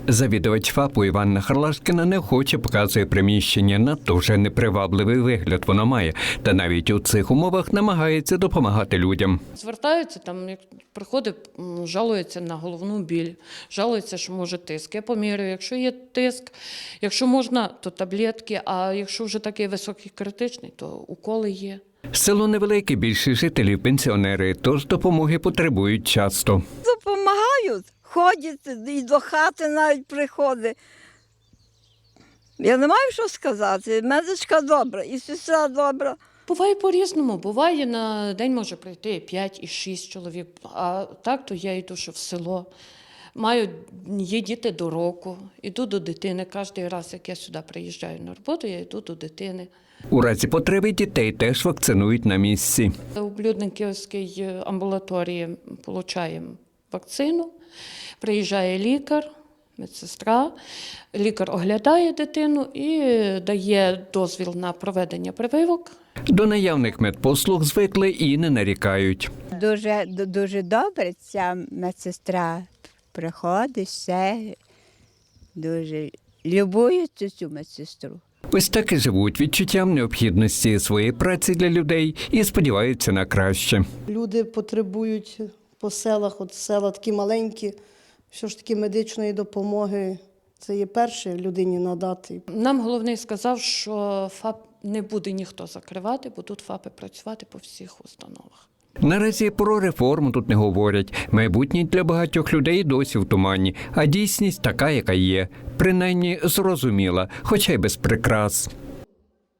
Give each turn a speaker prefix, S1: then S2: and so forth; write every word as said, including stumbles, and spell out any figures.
S1: Завідувач ФАПу Іванна Харлашкіна неохоче показує приміщення, надто вже непривабливий вигляд воно має, та навіть у цих умовах намагається допомагати людям.
S2: Звертаються, там, як приходить, м, жалується на головну біль, жалується, що може тиск. Я поміряю, якщо є тиск, якщо можна, то таблетки, а якщо вже такий високий критичний, то уколи є.
S1: Село невелике, більшість жителів пенсіонери, тож допомоги потребують часто.
S3: Допомагають, ходять і до хати навіть приходить. Я не маю що сказати. Медичка добра, і сестра добра.
S2: Буває по-різному. Буває, на день може прийти і п'ять, і шість чоловік. А так, то я йду ще в село. Маю, є діти до року, йду до дитини. Кожен раз, як я сюди приїжджаю на роботу, я йду до дитини.
S1: У разі потреби дітей теж вакцинують на місці.
S2: У Блюдниківській амбулаторії отримуємо вакцину, приїжджає лікар, медсестра, лікар оглядає дитину і дає дозвіл на проведення прививок.
S1: До наявних медпослуг звикли і не нарікають.
S4: Дуже, дуже добре ця медсестра приходить, все, дуже любують цю медсестру.
S1: Ось так і живуть відчуттям необхідності своєї праці для людей і сподіваються на краще.
S5: Люди потребують по селах, от села такі маленькі, що ж таки медичної допомоги. Це є перше людині надати.
S2: Нам головний сказав, що ФАП не буде ніхто закривати, будуть ФАПи працювати по всіх установах.
S1: Наразі про реформу тут не говорять. Майбутнє для багатьох людей досі в тумані, а дійсність така, яка є. Принаймні зрозуміла, хоча й без прикрас.